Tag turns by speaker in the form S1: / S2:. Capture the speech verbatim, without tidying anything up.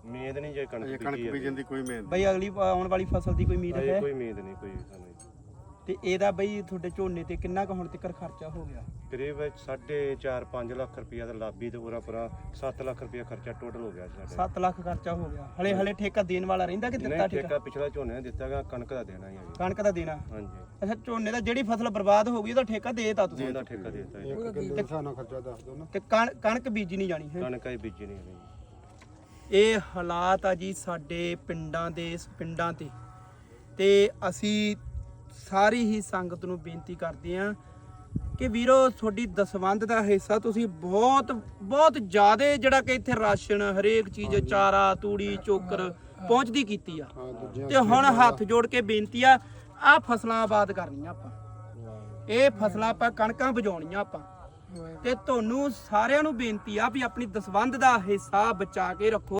S1: ਉਮੀਦ ਨਹੀਂ ਜੇ ਕਣਕ
S2: ਕਣਕ ਬੀਜਣ ਦੀ ਕੋਈ ਉਮੀਦ
S3: ਬਈ ਅਗਲੀ ਆਉਣ ਵਾਲੀ ਫਸਲ ਦੀ ਕੋਈ ਉਮੀਦ ਹੈ?
S1: ਕੋਈ ਉਮੀਦ ਨਹੀਂ ਕੋਈ ਸਾਨੂੰ।
S3: ਤੇ ਇਹਦਾ ਬਈ ਤੁਹਾਡੇ ਝੋਨੇ ਤੇ ਕਿੰਨਾ ਕੁ ਹੁਣ ਤੱਕ ਖਰਚਾ ਹੋ ਗਿਆ?
S1: ਕਰੀਬ ਸਾਢੇ ਚਾਰ ਪੰਜ ਲੱਖ ਰੁਪਇਆ ਦਾ ਲਾਭੀ ਤੇ ਪੂਰਾ ਪੂਰਾ ਸੱਤ ਲੱਖ ਰੁਪਇਆ ਖਰਚਾ ਟੋਟਲ ਹੋ ਗਿਆ ਸਾਡਾ।
S3: ਸੱਤ ਲੱਖ ਖਰਚਾ ਹੋ ਗਿਆ। ਹਲੇ ਹਲੇ ਠੇਕਾ ਦੇਣ ਵਾਲਾ ਰਹਿੰਦਾ ਕਿ ਦਿੱਤਾ
S1: ਨਹੀਂ
S3: ਠੇਕਾ?
S1: ਠੇਕਾ ਪਿਛਲਾ ਝੋਨੇ ਨੇ ਦਿੱਤਾਗਾ, ਕਣਕ ਦਾ ਦੇਣਾ ਹੀ ਹੈ ਜੀ।
S3: ਕਣਕ ਦਾ ਦੇਣਾ?
S1: ਹਾਂਜੀ
S3: ਅੱਛਾ, ਝੋਨੇ ਦਾ ਜਿਹੜੀ ਫਸਲ ਬਰਬਾਦ ਹੋ ਗਈ ਉਹਦਾ ਠੇਕਾ ਦੇਤਾ ਤੁਸੀਂ?
S1: ਉਹਦਾ ਠੇਕਾ ਦੇ ਦਿੱਤਾ ਜੀ।
S2: ਕਿੰਨੇ ਹਿਸਾਬ ਖਰਚਾ ਦੱਸ ਦਿਓ ਨਾ।
S3: ਤੇ ਕਣ- ਕਣਕ ਬੀਜੀ ਨਹੀਂ ਜਾਣੀ ਹੈ?
S1: ਕਣਕ ਹੀ ਬੀਜੀ ਨਹੀਂ ਹੈ
S3: ਇਹ ਹਾਲਾਤ ਆ ਜੀ ਸਾਡੇ ਪਿੰਡਾਂ ਦੇ ਇਸ ਪਿੰਡਾਂ ਤੇ ਤੇ ਅਸੀਂ ਸਾਰੀ ਹੀ ਸੰਗਤ ਨੂੰ ਬੇਨਤੀ ਕਰਦੇ ਆਂ ਕਿ ਵੀਰੋ ਤੁਹਾਡੀ ਦਸਵੰਧ ਦਾ ਹਿੱਸਾ ਤੁਸੀਂ ਬਹੁਤ ਬਹੁਤ ਜ਼ਿਆਦਾ ਜਿਹੜਾ ਕਿ ਇੱਥੇ ਰਾਸ਼ਨ ਹਰੇਕ ਚੀਜ਼ ਚਾਰਾ ਤੂੜੀ ਚੋਕਰ ਪਹੁੰਚਦੀ ਕੀਤੀ ਆ। ਤੇ ਹੁਣ ਹੱਥ ਜੋੜ ਕੇ ਬੇਨਤੀ ਆ, ਆਹ ਫਸਲਾਂ ਆਬਾਦ ਕਰਨੀਆਂ ਆਪਾਂ, ਇਹ ਫਸਲਾਂ ਆਪਾਂ ਕਣਕਾਂ ਬਜਾਉਣੀਆਂ ਆਪਾਂ। ਤੇ ਤੁਹਾਨੂੰ ਸਾਰਿਆਂ ਨੂੰ ਬੇਨਤੀ ਆ ਵੀ ਆਪਣੀ ਦਸਵੰਧ ਦਾ ਹਿੱਸਾ ਬਚਾ ਕੇ ਰੱਖੋ।